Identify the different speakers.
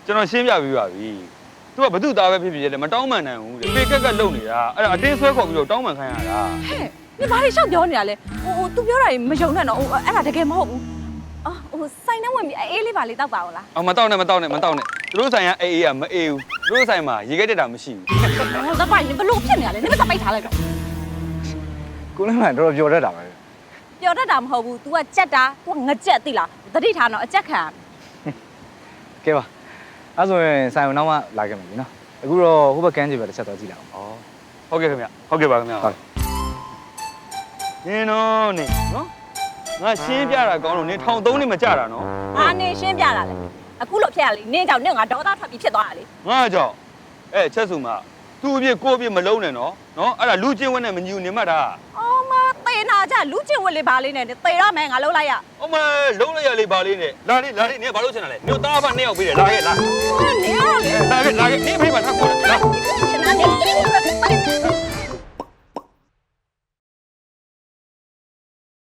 Speaker 1: ကျွန်တော်ရှင်းပြပေးပါပြီသူကဘသူ့သားပဲဖြစ်ဖြစ်လေမတောင်းမှန်နိုင်ဘူးတဲ့ပေကက်ကက်လုံနေတာအဲ့ဒါအတင်းဆွဲခေါ်ပြီးတော့တောင်းမှန်ခိုင်းရတာ
Speaker 2: ဟဲ့你ဘာတွေရှောက်ပြောနေတာလဲသူပြောတာမယုံနဲ့နော်အဲ့ဒါတကယ်မဟုတ်ဘူးစိုင်းနှဝင်ပြီးအေးလေးပါလေးတောက်ပါဦးလား
Speaker 1: မတောင်းနဲ့သူတို့ဆိုင်ကအေးအေးကမအေးဘူးသူတို့ဆိုင်မှာရေခဲတက်တာမရှိဘူး
Speaker 2: သပိုင်ဘလို့ဖြစ်နေရလဲနင်မစပိတ်ထားလိုက်တော့
Speaker 3: ကိုလည်းမှတော်တော်ပြောတတ်တာပဲ
Speaker 2: ပျော်တတ်တာမဟုတ်ဘူး तू ကကြက်တာ तू ကငကြက်သိလားတတိထားတော့အကြက်ခံ
Speaker 3: ကဲပါအဲ့ဆိုရင်ဆိုင်အောင်နောက်မှလာခဲ့မယ်ပြီနော်အခုတော့ဟိုဘက်ကန်းကြီးပဲတစ်ချက်တော့ကြည့်လိုက်အောင်
Speaker 1: ဟုတ်ကဲ့ခင်ဗျဟုတ်ကဲ့ပါခင်ဗျဟုတ်နင်တော့နေနော်ငါရှင်းပြတာကောင်းလို့နင်1300နေမကြတာနော်
Speaker 2: အာနေရှင်းပြတာလေအခုလို့ဖြစ်ရလေနင်းကြောင့်နင့်ငါဒေါသထွက်ပြီးဖြစ်သွားတာလေ
Speaker 1: ငါကြောင့်ချက်စုမှာသူ့အပြစ်ကိုယ့်အပြစ်မလုံးနဲ့နော်အဲ့ဒါလူချင်းဝက်နဲ့မညူနေမှတ်တာ
Speaker 2: အော်မသေနာကြလူချင်းဝက်လေးပါလေးနဲ့သေရမယ်ငါလုံးလိုက်ရ
Speaker 1: အမလုံးလိုက်ရလေပါလေးနဲ့လာလေးနင်ဘာလို့ချင်တာလဲမြို့သားဖနှစ်ယောက်ပေးတယ်လာခဲ့လာ
Speaker 2: နင်းရောလေ
Speaker 1: လာခဲ့နင်ဖိမထပ်ခေါ်